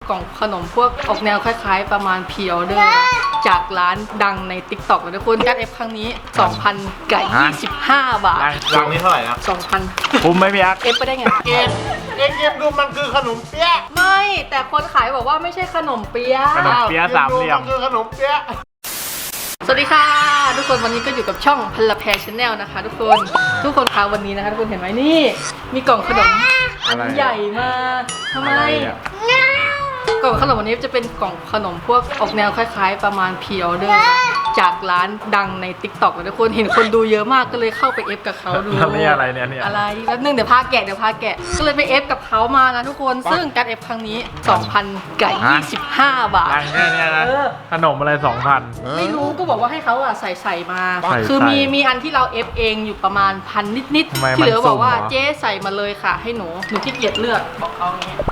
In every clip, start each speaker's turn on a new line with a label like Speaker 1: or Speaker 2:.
Speaker 1: กล่องขนมพวกออกแนวคล้ายๆประมาณพรีออเดอร์จากร้านดังใน TikTok เลยทุกคนการเอฟครั้งนี้ 2,000 กับ 25 บาท
Speaker 2: รังนี้เท่าไหร่นะ
Speaker 1: 2,000
Speaker 3: คุ้มไหมพี่ยักษ์
Speaker 1: เอฟไปได้ไง
Speaker 2: เกมดูมันคือขนมเปี๊ยะ
Speaker 1: ไม่แต่คนขายบอกว่าไม่ใช่ขนมเปี๊ยะ
Speaker 3: ขนมเปี๊ยะสามเหลี่ยม
Speaker 2: นคือขนมเปี๊ยะ
Speaker 1: สวัสดีค่ะทุกคนวันนี้ก็อยู่กับช่องพลแพรชาแนลนะคะทุกคนคะวันนี้นะคะทุกคนเห็นไหมนี่มีกล่องขนมอันใหญ่มากทำไมกล่องขนมวันนี้จะเป็นกล่องขนมพวกออกแนวคล้ายๆประมาณพรีออเดอร์จากร้านดังใน TikTok เลยทุกคนเห็นคนดูเยอะมากก็เลยเข้าไปเอฟกับเขาดู
Speaker 3: แล้วนี่อะไรเนี่ยเนี่ย
Speaker 1: อะไรแป๊บนึงเดี๋ยวพาแกะก็เลยไปเอฟกับเขามานะทุกคนซึ่งการเอฟครั้งนี้ 2,000 กับ 25 บาท
Speaker 3: รังแค่เนี้ยนะ
Speaker 1: เออ
Speaker 3: ขนมอะไร 2,000
Speaker 1: ไม่รู้ก็บอกว่าให้เขาอะใส่มา
Speaker 3: ใส่
Speaker 1: คือมีอันที่เราเอฟเองอยู่ประมาณพันนิด
Speaker 3: ทำไม
Speaker 1: ที่เหลือ
Speaker 3: มัน
Speaker 1: บอกว่า
Speaker 3: สุ่มเหรอ
Speaker 1: เจ๊ใส่มาเลยค่ะ ให้หนูขี้เกียจเลือกบอกเขาอย่างเงี้ย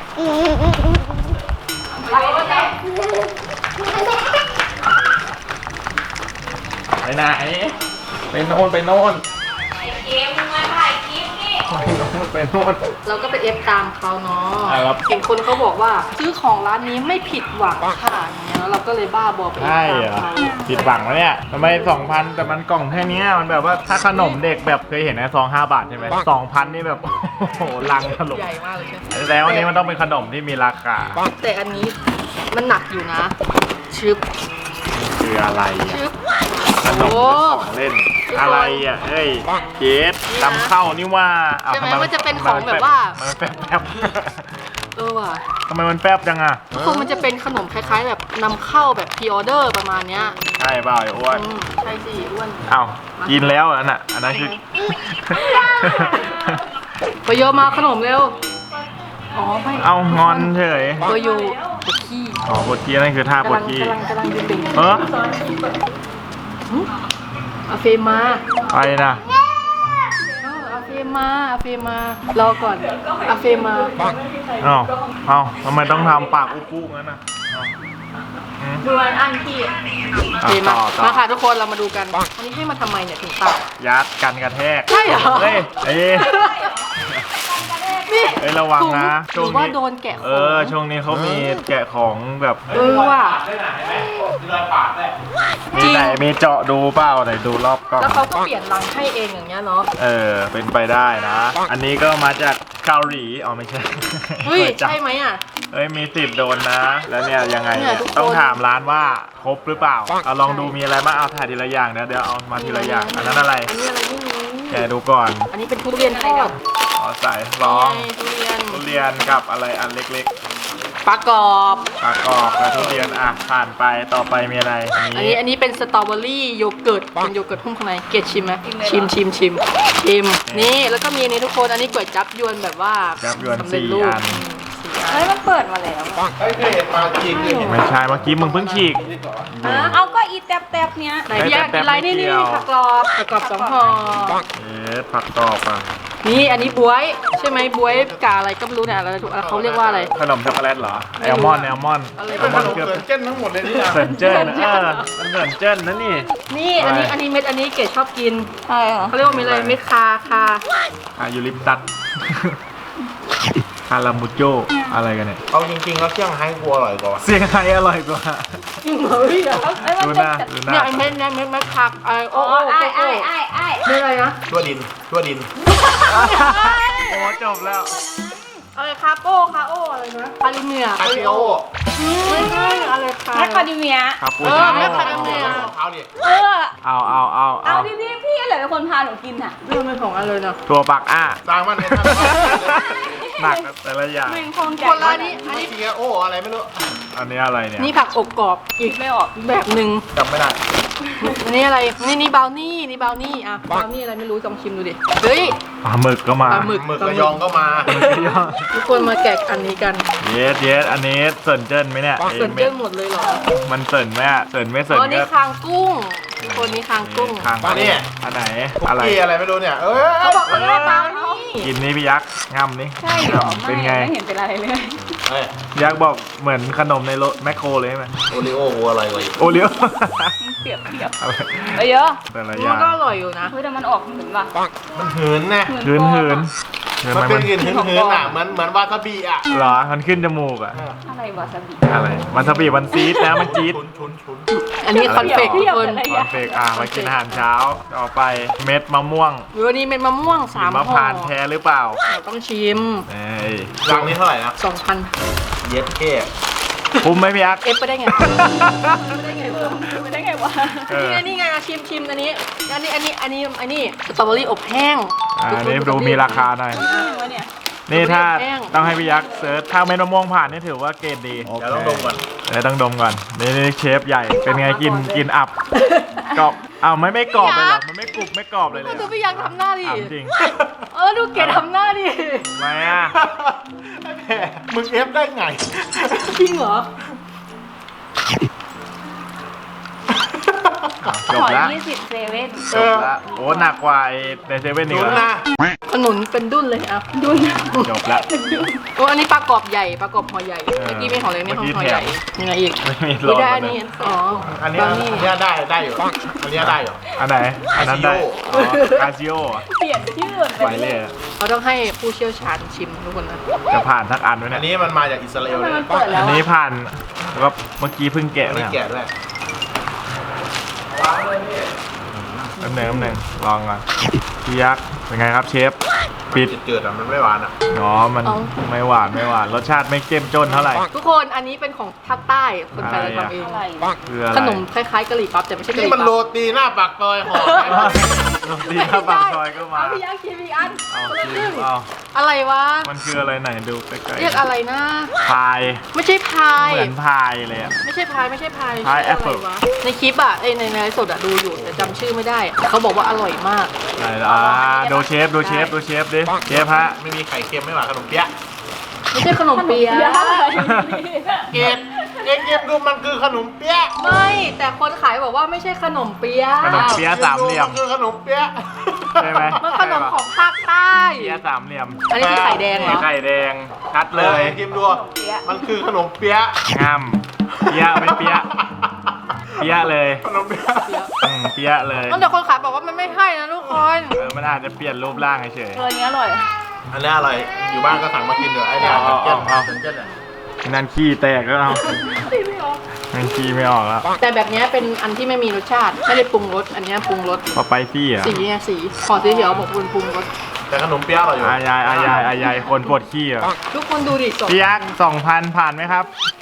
Speaker 3: ไปไหนไปโน่นไปโน่น
Speaker 1: เกมมาถ่ายคลิปนี่
Speaker 3: ไปโน่น
Speaker 1: เราก็ไปเอฟตามเขาเนาะ
Speaker 3: ครับ
Speaker 1: เห็นคนเขาบอกว่าซื้อของร้านนี้ไม่ผิดหวังค่ะอย่างเงี้ยแล้วเราก็เลยบ้าบอไปเอฟ
Speaker 3: ใช่
Speaker 1: ตาม
Speaker 3: เหรอ
Speaker 1: เขา
Speaker 3: ผิดหวังแล้วเนี่ยทำไม 2,000 แต่มันกล่องแค่เนี้ยมันแบบว่าถ้าขนมเด็กแบบเคยเห็นนะซอง5 บาทใช่ไหม2,000 นี่แบบ โอ้โหลังถล่ม
Speaker 1: ใหญ่มากเลยใช่ไหม
Speaker 3: แล้วอันนี้มันต้องเป็นขนมที่มีราคา
Speaker 1: แต่อันนี้มันหนักอยู่นะชึบ
Speaker 3: คืออะไร
Speaker 1: ชึ
Speaker 3: อ่ะ
Speaker 1: บ
Speaker 3: ขนม
Speaker 1: โอ้
Speaker 3: ของเล่นอะไรอ่ะเฮ้ยเจสตำเข้านี่ว่าอ้าว
Speaker 1: ใช่ไหม
Speaker 3: ทำ
Speaker 1: มันจะเป็นของแบบว่า
Speaker 3: มันแป๊บ
Speaker 1: เออว่ะ
Speaker 3: ทำไมมันแป๊บจังอ่ะ
Speaker 1: คือมันจะเป็นขนมคล้ายๆ แบบนำเข้าแบบพรีออเดอร์ประมาณเนี้ย
Speaker 3: ใช่เปล่าไอ้อ้วน
Speaker 1: ใช่สิอ้วน
Speaker 3: เอ้ากินแล้วอันน่ะอันนั้นคือ
Speaker 1: ไปโยมาขนมเร็ว อ๋อไม่
Speaker 3: เอางอนเฉย
Speaker 1: ไปโยปวดขี้
Speaker 3: อ๋อบทกี้นั่นคือท่าบทกี้
Speaker 1: กำลังดึง
Speaker 3: เออ
Speaker 1: อาเฟมา
Speaker 3: ไปนะ
Speaker 1: อาเฟมารอก่อนอาเฟมา
Speaker 3: เอ้าทำไมต้องทำปากอุปุงั้นน่ะเอ้าอืม
Speaker 1: ดูอันที่
Speaker 3: อ่ะ
Speaker 1: เฟมา
Speaker 3: ต่อ
Speaker 1: มาค่ะทุกคนเรามาดูกัน อันนี้ให้มาทำไมเนี่ยถึงตัด
Speaker 3: ยัดกันกระแทก
Speaker 1: ใช่เหรอ
Speaker 3: เฮ้ยเอ้ย
Speaker 1: นี่
Speaker 3: เอ้ยระวังนะ
Speaker 1: หรือว่าโดนแกะของ
Speaker 3: เออช่วงนี้เขามีแกะของแบบ
Speaker 1: เออว่ะ จริ
Speaker 3: มี
Speaker 1: ง
Speaker 3: ไหนมีเจาะดูเปล่าไหนดูรอบกล้อง
Speaker 1: แล้วเขาก็เปลี่ยนรังให้เองอย่างเงี้ยเนาะ
Speaker 3: เออเป็นไปได้นะ อันนี้ก็มาจากเกาหลีอ๋อไม่ใช่
Speaker 1: เฮ้ย
Speaker 3: จับ
Speaker 1: ใช่ไหมอ่ะ
Speaker 3: เอ้ยมีสิทธิ์โดนนะ แล้วเนี่ยยังไง
Speaker 1: เนี่ยทุกคน
Speaker 3: ต้องถามร้านว่าครบหรือเปล่าเอาลองดูมีอะไรบ้างเอาถ่ายทีละอย่างเดี๋ยวเอามาทีละอย่างอันนั้นอะไร
Speaker 1: อันนี้อะไรไม่รู้
Speaker 3: แกะดูก่อน
Speaker 1: อันนี้เป็นทุเรียนทอด
Speaker 3: อ๋อใส่ลอง
Speaker 1: นี่ทุเรียน
Speaker 3: ทุเรียนกับอะไรอันเล็ก
Speaker 1: ปลากรอบ
Speaker 3: ๆปลากรอบกับทุเรียนอ่ะผ่านไปต่อไปมีอะไร
Speaker 1: อันนี้เป็นสตรอเบอรี่โยเกิร์ตเป็นโยเกิร์ตหุ้มข้างในเกดชิมไหมชิมนี่แล้วก็มีอันนี้ทุกคนอันนี้ก๋วยจับยวนแบบว่า
Speaker 3: จับยวน
Speaker 1: สำเร็จ
Speaker 3: 4
Speaker 1: รูป
Speaker 3: อัน
Speaker 4: เฮ้ยมันเปิดมาแล้ว
Speaker 2: เฮ้ยเคยเห็นมาจริงเคยเห็น
Speaker 3: ไม่ใช่เมื่อกี้มึงเพิ่งฉีก
Speaker 4: เอาก็อีแตบๆเนี้ย
Speaker 1: ไหนพี่อยากกินอะไรนี่
Speaker 3: ไม่
Speaker 1: นี่
Speaker 3: เกี่ยว
Speaker 1: ผักกรอบ2 ห่อ
Speaker 3: เอ๊ะผักกรอบอ่ะ
Speaker 1: นี่อันนี้บวยใช่ไหมบวยกาอะไรก็ไม่รู้เนี่ยอะไรถูกเขาเรียกว่าอะไร
Speaker 3: ขนมช็อกโกแลตเหรอแอลมอนด์
Speaker 1: อะไร
Speaker 2: เป็นขนมเกินเจ้นทั้งหมดเลยนี่นะ
Speaker 3: เสิร์นเจิ้นมันเสิร์นเจิ้นนะนี่
Speaker 1: นี่อันนี้เม็ดอันนี้เกดชอบกิน
Speaker 4: ใช่เหรอ
Speaker 1: เขาเรียกว่าเม็ดอะไรเม็ดคา
Speaker 3: ยูริปตัสคารามูโจอะไรกันเนี่ย
Speaker 2: เอาจริงๆแล้วเที่ยงไฮ้กลัวอร่อยกว่า
Speaker 3: เสียงไทยอร่อยกว่า
Speaker 1: จริงเหรอพี่อะ
Speaker 4: เอ้ยมัน
Speaker 3: ดูห
Speaker 4: เป็น
Speaker 3: น้าดูหน้า
Speaker 1: เนี่ยไอ้เม็ดเนี่ยเม็ดผักไอ้โอ้
Speaker 4: อ๋อ
Speaker 1: โอ้
Speaker 4: ไอ้
Speaker 1: โอ้
Speaker 4: ไอ้ไอ้ไอ้
Speaker 1: เม็ดอะไรนะ
Speaker 2: ทั่วดิน
Speaker 3: โอ้จบแล้ว
Speaker 1: อะไรคาโออะไรนะคาริเมีย
Speaker 2: คาริโอ
Speaker 1: ไม่ใช่อะไรคา
Speaker 4: แมคคาเดเมีย
Speaker 3: ครับปู
Speaker 1: เอ
Speaker 3: ชิ
Speaker 1: อ
Speaker 3: โน่
Speaker 1: แม่คาราเมล
Speaker 2: เท้าดิ
Speaker 4: เออ
Speaker 3: เอา
Speaker 4: เอาพี่พี่อะไรเป็นคนพาหนูกินอ่ะ
Speaker 1: เรื่องเป็นของอะไรเนาะ
Speaker 3: ตัวปักอ้า
Speaker 2: สร้างมันเลย
Speaker 3: หนักแต่ละอย่าง
Speaker 4: แม่งคงใจ
Speaker 1: คนละอันนี้
Speaker 2: เทียโออะไรไม่รู้
Speaker 3: อันนี้อะไรเนี่ย
Speaker 1: นี่ผักอบกรอบอีก
Speaker 4: ไม่ออก
Speaker 1: แบบหนึ่ง
Speaker 2: จำไม่ได้
Speaker 1: อันนี้อะไรนี่บราวนี่อ่ะบราวนี่อะไรไม่รู้ลองชิมดูดิเฮ้ย
Speaker 3: ปลาหมึกก็มา
Speaker 1: ปลาหมึก
Speaker 2: หมึกระยองก็มา
Speaker 1: ทุกคนมาแกะอันนี้กัน
Speaker 3: เยสอันนี้เสิร์นเจิ้นไหมเนี่ย
Speaker 1: เสิร์ฟเยอะหมดเลยเหรอ
Speaker 3: มันเสิร์นไหมอะเสิร์นไม่เสิร์
Speaker 1: อ๋
Speaker 3: น
Speaker 1: อนี่
Speaker 3: ก็
Speaker 1: คางกุ้งคนนี้คางกุ้ง
Speaker 3: คาง
Speaker 2: มาเนี่ย
Speaker 3: อันไหน
Speaker 2: คุก
Speaker 3: อะไร
Speaker 2: กี้อะไรไม่รู้เนี่ย
Speaker 1: เขาบอกเขาเรียกว่าบราวนี่
Speaker 3: กินนี่พี่ยักษ์ง่ำนี่
Speaker 4: ใช่เหรอ
Speaker 3: เป็นไง
Speaker 4: ไม่เห็นเป็นอะไรเลย
Speaker 2: เฮ้ย
Speaker 3: ยักษ์บอกเหมือนขนมในรถแมคโครเลยใช่ไหม
Speaker 2: โอริโอกูอะไรวะ
Speaker 3: โอเลี้ยว
Speaker 4: เปรียบ
Speaker 3: อะไร
Speaker 4: ไปเยอะ
Speaker 3: แต่ละอ
Speaker 1: มั
Speaker 3: ย่าน ง
Speaker 1: ก็อร่อยอยู่นะ
Speaker 4: เฮ้ยแต่มันออกเหมือนว่ะ
Speaker 2: มันหืนนะ
Speaker 3: หืน
Speaker 2: มันเป็นกลิ่นหืนๆอ่ะเหมือนวาซาบิอ่ะ
Speaker 3: เหรอมันขึ้นจมูกอะ
Speaker 4: อะไรวาซาบิ
Speaker 3: อะไรมันสปีดมันซีดนะมันจี๊ด
Speaker 2: ชุน
Speaker 1: อันนี้คอนเฟกต์ทุกคน
Speaker 3: คอนเฟกมากินอาหารเช้าต่อไปเม็ดมะม่วง
Speaker 1: วันนี้เป็นมะม่วง
Speaker 3: หิ
Speaker 1: 3
Speaker 3: มะ
Speaker 1: ห่อ
Speaker 3: พานต์แท้หรือเปล่า
Speaker 1: เราต้องชิม
Speaker 3: เอ้ย
Speaker 2: รังนี้เท่าไหร่นะ
Speaker 1: 2,000
Speaker 2: เย็ดเค้
Speaker 3: คุ้มไหมพี่ยักษ์
Speaker 1: เอฟไปได้ไงไม่ได้ไงวะ
Speaker 4: ไม่ได้ไงวะ
Speaker 3: เออ
Speaker 1: นี่ไงชิมอันนี้สตรอเบอรี่อบแห้ง
Speaker 3: อันนี้ดูมีราคาหน่อย
Speaker 4: วะเนี่ย
Speaker 3: นี่ถ้า
Speaker 1: แป้ง
Speaker 3: ต้องให้พี่ยักษ์เซิร์ชถ้าเม็ดมะม่วงผ่านนี่ถือว่าเกรดดี
Speaker 2: เดี๋ยวต้องดมก่อน
Speaker 3: เดี๋ยวต้องดมก่อนนี่เชฟใหญ่เป็นไงกินอับกรอบอ้าวไม่กรอบเลยเหรอมันไม่กรุบไม่กรอบเลยเลยเหร
Speaker 1: ดู
Speaker 3: อ
Speaker 1: พี่ยักษ์ทำหน้าดิ
Speaker 3: ถามจริง
Speaker 1: ดูเกดทำหน้าดิ
Speaker 3: ทำไมอ่ะ
Speaker 2: ไอ้แม่มึงเอฟได้ไง
Speaker 1: จริงเหรอ
Speaker 3: จบ
Speaker 4: ขอ
Speaker 3: ละ
Speaker 4: 20 เซเว่น
Speaker 3: จบละโอ้หนักกว่าไอ้ในเซเว่นอี
Speaker 2: ชุ
Speaker 3: ก
Speaker 2: น
Speaker 3: แล้ว
Speaker 2: นะ
Speaker 1: ขนุนเป็นดุ้นเลยอ่ะดุ้น
Speaker 3: จบละ
Speaker 1: โอ้อันนี้ปลากรอบใหญ่ปลากรอบห่อใหญ่เมื่อกี้ไม่ห่อเล็กนี่
Speaker 3: เมื่อกี้
Speaker 1: ห่อใหญ่
Speaker 3: แถม
Speaker 1: ยังไงอีก
Speaker 3: ไม่มีร
Speaker 1: ไม่
Speaker 3: อ
Speaker 1: ได้
Speaker 3: ด
Speaker 1: อันนี้อ๋อ
Speaker 2: อั
Speaker 1: อั
Speaker 2: นนี้ได้อยู่ อันนี้ได้อยู่
Speaker 3: อันไหนอันนั้นได้คาซิโอ
Speaker 4: เปลี่ยนชื่อ
Speaker 3: ไปเลยอะ
Speaker 1: เราต้องให้ผู้เชี่ยวชาญชิมทุกคนนะ
Speaker 3: จะผ่านทักอันไหม
Speaker 2: อัน
Speaker 3: เนี่ย
Speaker 2: นี้มันมาจากอิสราเอลเลย
Speaker 4: มันเปิดแล้
Speaker 3: อั
Speaker 4: วน
Speaker 3: นี้ผ่านแล้วก็เมื่อกี้เพิ่งแกะ
Speaker 2: อัน
Speaker 3: เนี่
Speaker 2: นี้
Speaker 3: ย
Speaker 2: แกะด้วย
Speaker 3: น้ำหนึ่งลองก่อนพี่ยักษ์เป็นไงครับเชฟปิด
Speaker 2: จืดๆอ่ะมันไม่หวานอ่ะ
Speaker 3: อ๋อมันไม่หวานรสชาติไม่เจ้มจนเท่าไหร่
Speaker 1: ทุกคนอันนี้เป็นของภาคใต้คนไทยเราทำเอง
Speaker 4: อะไร
Speaker 3: คืออะไร
Speaker 1: ขนมคล้ายๆกะหรี่ปั๊บแต่ไม่ใช่กะห
Speaker 2: นี่
Speaker 1: รี่
Speaker 2: มันโร
Speaker 1: ปั๊บ
Speaker 2: ตีหน้าปากซอยห่อ
Speaker 3: โรตีข้าวปากซอยก็มา
Speaker 1: เอาพี่ยักษ์ชิมอีกอัน
Speaker 3: เอา
Speaker 1: คนละค
Speaker 3: ชิ
Speaker 1: รึ่
Speaker 3: ม
Speaker 1: ง
Speaker 3: เอา
Speaker 1: อะไรวะ
Speaker 3: มันคืออะไรไหนดูใกล้ๆ
Speaker 1: เรียกอะไรนะ
Speaker 3: พาย
Speaker 1: ไม่ใช่พาย
Speaker 3: เหมือนพายเลยอะ
Speaker 1: ไม่ใช่พาย
Speaker 3: พาย
Speaker 1: ชื่
Speaker 3: แอปเปิ้ล
Speaker 1: ะไรวะในคลิปอ่ะในไลฟ์สดอ่ะดูอยู่แต่จำชื่อไม่ได้ เขาบอกว่าอร่อยมาก
Speaker 3: ไหนล่ะดูเชฟดิเชฟฮะ
Speaker 2: ไม่มีไข่เค็มไม่หวานขนมเปี๊ยะ
Speaker 1: ไม่ใช่ขนมเปี๊ยะ
Speaker 2: เกมเกมดูมันคือขนมเปี๊ยะ
Speaker 1: ไม่ แต่คนขายบอกว่าไม่ใช่ขนมเปี๊ยะ
Speaker 3: ขนมเปี๊ยะสามเหลี่ยม
Speaker 2: นคือขนมเปี๊ยะ
Speaker 3: ใช่ไหม
Speaker 1: มันขนมของภาคใต้
Speaker 3: เปี๊ยะสามเหลี่ยม
Speaker 1: อันนี้คือไข่แดงเหรอ
Speaker 3: ไข่แดงชัดเลย
Speaker 2: เกมดูมันคือขนมเปี๊ยะ
Speaker 3: งามเปี๊ยะเป็นเปี๊ยะเปี๊ยะเลย
Speaker 2: ขนมเปี๊ยะ
Speaker 3: เปี๊ยะเลย
Speaker 1: แต่คนขายบอกว่ามันไม่ให้นะทุกคน
Speaker 3: มันอาจจะเปลี่ยนรูปร่างเฉย
Speaker 4: ตัวนี้อร่อย
Speaker 2: อันนี้อะไรอยู่บ้านก็สั่งมากินเดี๋ยวไอ้เนี่ย
Speaker 3: เอา
Speaker 2: เจ้น
Speaker 3: เอา
Speaker 2: เจ้นเนี่ย
Speaker 3: นั่นขี้แตกแล้วเอานั่นขี้ไม่ออกแล้ว
Speaker 1: แต่แบบเนี้ยเป็นอันที่ไม่มีรสชาติ ไม่ได้ปรุงรส อันเนี้ยปรุงรส
Speaker 3: พอไปซี่อ่ะ
Speaker 1: สีไงสีขอสีเขียวบอกคุณปรุงรส
Speaker 2: แต่ขนมเปี๊ยะอร่อยอยู่
Speaker 3: อายายคนปวดขี้อ่ะ
Speaker 1: ทุกคนดูดิสด
Speaker 3: พี่ยักษ์2,000 ผ่านไหมครับ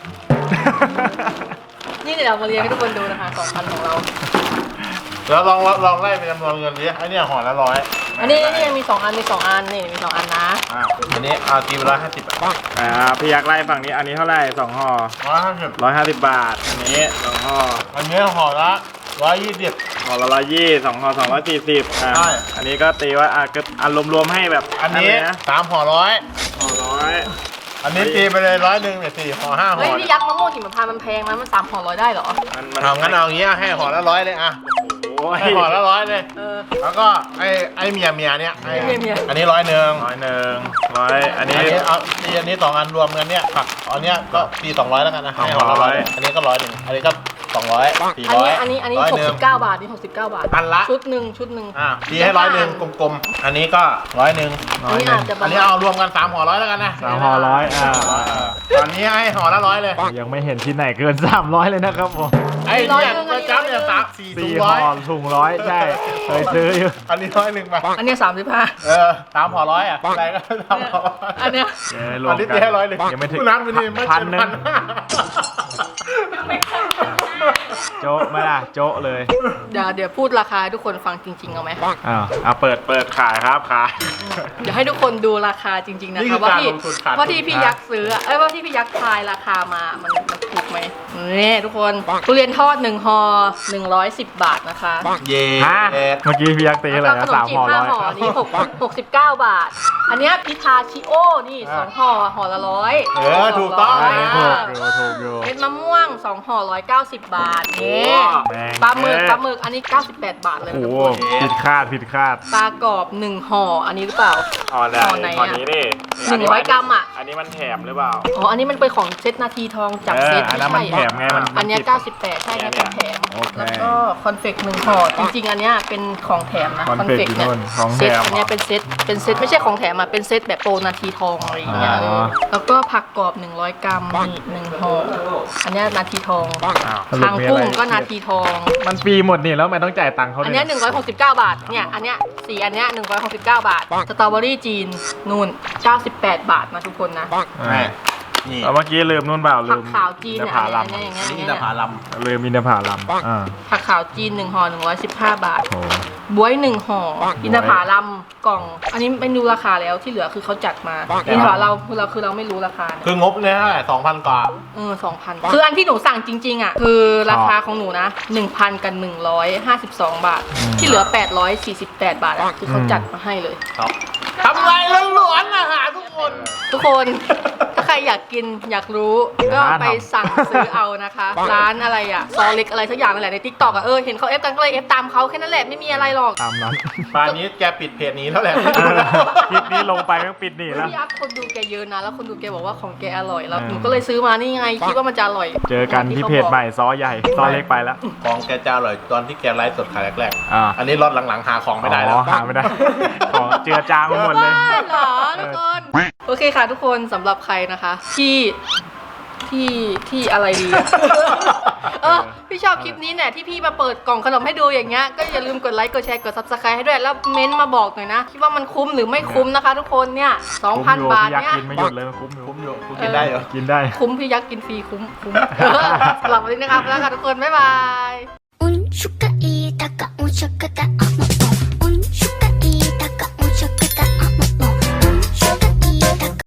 Speaker 1: นี่เดี๋ยวเรามาเรียงให้ทุกคนดูนะคะ2,000ของเรา
Speaker 2: แล้วลองไล่เป็นจำนวนเงินดิไอ้เนี่ยห่อละ100
Speaker 1: อันนี้มี2อันมี2อันนี่มี2อันนะ
Speaker 2: อันนี้เอาตีไป150 บาท
Speaker 3: พี่ยักษ์ไล่ฝั่งนี้อันนี้เท่าไหร่2ห่อ
Speaker 2: 150
Speaker 3: 150 บาท อันนี้2ห่อ
Speaker 2: อันนี้ห่อละ120
Speaker 3: ห่อละ120 2ห่อ240
Speaker 2: ใช่
Speaker 3: อันนี้ก็ตีว่าก็รวมๆให้แบบ
Speaker 2: อันนี้
Speaker 3: นะ
Speaker 2: 3ห่อ100
Speaker 3: ห่อร้อย
Speaker 2: อันนี้ตีไปเลย100เนี่ย4ห่อ5ห่
Speaker 1: เฮ้ย
Speaker 2: อ
Speaker 1: พี่ยักษ์มะม่วงหิมพานต์มันแพงนะมัน3ห่อ100ได้เหรอ
Speaker 2: เอางั้นเอาอย่างเงี้ยให้ห่อละ100เลยอ่ะ
Speaker 3: โอ้ย
Speaker 2: ให้ห่อละ100เลย
Speaker 1: เออ
Speaker 2: แล้วก็ไอ้เมียเนี่ยไอ้
Speaker 1: เมีย
Speaker 2: อันนี้100
Speaker 3: 100อันนี้
Speaker 2: เอาตีอันนี้2อันรวมกันเนี่ยผักอันเนี้ยก็ตี200แล้วกันนะให้ห่อละ100อันนี้ก็100อันนี้ก็200 400
Speaker 1: อันนี้
Speaker 2: 100
Speaker 1: 69 บาทนี่69 บาท
Speaker 2: อันละ
Speaker 1: ชุดหนึ่ง
Speaker 2: ตีให้100กลมๆอันนี้ก็100
Speaker 1: อันนี้อาจจะ
Speaker 2: อันนี้เอารวมกัน3ห่อ100แล้วกันนะ
Speaker 3: 3ห่อ100
Speaker 2: ตอนนี้ให้ห่อละ100เลย
Speaker 3: ยังไม่เห็นที่ไหนเกิน300เลยนะครับผม
Speaker 2: ไอ้เนี่ยประจำเนี่ย4ถุง
Speaker 3: 4ห่อ
Speaker 2: 100
Speaker 3: ถุง100ใช่เคยซื้ออยู่
Speaker 2: อันนี้100ป่ะ
Speaker 1: อันนี้35
Speaker 2: 3ห่อ100อ่ะอะไรก็3ห่อ100
Speaker 1: อันเนี้ย
Speaker 3: รว
Speaker 2: อั
Speaker 3: ม
Speaker 2: นนี้
Speaker 3: กั
Speaker 2: ตี
Speaker 3: น
Speaker 2: ให้100เลย
Speaker 3: ยังไม่ถึง
Speaker 2: คุณน้ำวันนี้ไม่
Speaker 3: พัน
Speaker 2: เกิน
Speaker 3: หนึ่ง โจ๊ะไหมล่ะโจ๊ะเลย
Speaker 1: เดี๋ยวพูดราคาให้ทุกคนฟังจริงๆเอาไหม
Speaker 3: เปิดขายครับขาย
Speaker 1: เดี๋ยวให้ทุกคนดูราคาจริงๆนะคะว่าที่พี่ยักษ์ซื้อว่าที่พี่ยักษ์ทายราคามามันถูกไหมนี่ทุกคนทุเรียนทอด1ห่อ110 บาทนะคะ
Speaker 2: เย้
Speaker 3: ฮะเมื่อกี้พี่ยักษ์ตีอะไร
Speaker 1: แล้ว
Speaker 3: นะ
Speaker 1: ก็ขนม
Speaker 3: 3
Speaker 1: จีบ
Speaker 3: ห่อ
Speaker 1: 5ห่อนี่69 บาท อันเนี้ยพิทาชิโอนี่2ห่อห่อละ100
Speaker 2: ถูกต้อง
Speaker 3: ถูกอยู่
Speaker 1: เห็นดมะม่วง2ห่อ190 บาทนี่
Speaker 3: แพง
Speaker 1: ปลาหมึกอันนี้98 บาทเลย
Speaker 3: โอ้
Speaker 1: ทุก
Speaker 3: โห
Speaker 1: คน
Speaker 3: ผิดคาด
Speaker 1: ปลากรอบ1ห่ออันนี้หรือเปล่า
Speaker 3: อ๋อได้
Speaker 1: ห่อไหน
Speaker 3: ตอน
Speaker 1: อะ
Speaker 3: นี้นี่
Speaker 1: 100 กรัมอ่ะ
Speaker 3: อันนี้มันแถมหรือเปล่า
Speaker 1: อ๋ออันนี้มันเป็นของเซตนาทีทองจากเซต
Speaker 3: อัน
Speaker 1: ไม่
Speaker 3: นั้นมัน
Speaker 1: ใช่
Speaker 3: แถมไงมัน
Speaker 1: อันเนี้ย
Speaker 3: ติด
Speaker 1: 98ใช่เนี่ยเป็นแถม
Speaker 3: โอเค
Speaker 1: แล้วก็คอนเฟก1ห่อจริงๆอันเนี้ยเป็นของแถมนะ
Speaker 3: คอนเฟกต์
Speaker 1: เนี่ย
Speaker 3: นู่นของแถ
Speaker 1: เซต
Speaker 3: ม
Speaker 1: อันเนี้ยเป็นเซตไม่ใช่ของแถมอ่ะเป็นเซตแบบโปรนาทีทองอะไรอย่างเงี้ย
Speaker 3: อ๋อ
Speaker 1: แล้วก็ผักกรอบ100 กรัมนี่1ห่ออันเนี้ยนาทีทอง
Speaker 3: อ้าวสรุ
Speaker 1: ทา
Speaker 3: ป
Speaker 1: ง
Speaker 3: มีอะ
Speaker 1: กุ้
Speaker 3: ไรง
Speaker 1: ก็นาทีทอง
Speaker 3: มันฟรีหมดนี่แล้วทำไมต้องจ่ายตังค์เขา
Speaker 1: อัน
Speaker 3: เนี่
Speaker 1: เนี้
Speaker 3: ย
Speaker 1: ย169 บาทเนี่ยอันเนี้ยสีอันเนี้ย169 บาทสตรอเบอรี่จีนนู่น98 บาทนะทุกคนนะ
Speaker 3: อ่า
Speaker 2: นี่
Speaker 3: เอาเมื่อกี้ลืมนู่นเปล่าลื
Speaker 1: ผัก
Speaker 3: ม
Speaker 1: ขาวจีน
Speaker 3: อิน
Speaker 1: เนี่ย
Speaker 3: ทผลัม
Speaker 1: อันเนี้ยอย่างเงี้ย
Speaker 2: นี่
Speaker 1: อย่าง
Speaker 2: อิน
Speaker 1: เงี้ย
Speaker 2: ทผลัม
Speaker 3: ลืมอินทผลัมอ่า
Speaker 1: ผักขาวจีน1ห่อ115 บาท
Speaker 3: โอ้
Speaker 1: บวย1ห่ออินทผลัมกล่อง อันนี้ไม่รู้ราคาแล้วที่เหลือคือเขาจัดมาอินทผลัมเราไม่รู้ราคาเนี่ย
Speaker 2: คืองบเนี่ยเท่าไหร่2,000 กว่า
Speaker 1: 2,000คืออันที่หนูสั่งจริงๆอ่ะคือราคาของหนูนะ 1,000 กับ152 บาท ที่เหลือ848 บาทอ่ะคือเขาจัดมาให้เลย
Speaker 2: ครับทำไรล้วนๆอาหารทุกคน
Speaker 1: ทุกคน ถ้าใครอยากกินอยากรู้ก็ไปสั่งซื้อเอานะคะ ร้านอะไรอ่ะซอเล็กอะไรสักอย่างนั่นแหละในทิกตอกอ่ะเห็นเขาเอฟกันก็เลยเอฟตามเขาแค่นั้นแหละไม่มีอะไรหรอก
Speaker 3: ตามนั้น
Speaker 2: ป่านนี้แกปิดเพจนี้แล้วแหละ
Speaker 3: คลิปนี้ลงไปก็ปิดหนีแล้ว
Speaker 1: พี่อัพคนดูแกเยอะนะแล้วคนดูแกบอกว่าของแกอร่อยแล้ว
Speaker 3: เออ
Speaker 1: หนูก็เลยซื้อมานี่ไงคิดว่ามันจะอร่อย
Speaker 3: เจอกันที่เพจใหม่ซอใหญ่ซอเล็กไปแล้ว
Speaker 2: ของแกจะอร่อยตอนที่แกไลฟ์สดขายแรก
Speaker 3: อ่า
Speaker 2: ๆ อันนี้รอดหลังๆหาของไม่ได้แล้ว
Speaker 3: อ๋อหาไม่ได้ ของเจือจางไปหมดเลย
Speaker 1: บ้าเหรอทุกคนโอเคค่ะทุกคนสำหรับใครนะคะ ที่อะไรดีอะ พี่ชอบคลิปนี้เนี่ยที่พี่มาเปิดกล่องขนมให้ดูอย่างเงี้ยก็อย่าลืมกดไลค์กดแชร์กด subscribe ให้ด้วยแล้วเม้นต์มาบอกหน่อยนะคิดว่ามันคุ้มหรือไม่คุ้มนะคะ ทุกคนเนี่ย 2,000 บาท
Speaker 3: อยาก
Speaker 1: เนี่ย
Speaker 3: กินไม่หยุดเลยมันคุ้มอยู่
Speaker 2: คุ้มอยู่คุณกินได้เหรอ
Speaker 3: กินได้
Speaker 1: คุ้มพี่ยักษ์กินฟรีคุ้มสำหรับวันนี้นะครับแล้วค่ะทุกคนบ๊ายบาย
Speaker 5: 운수가 이다가 운수가 다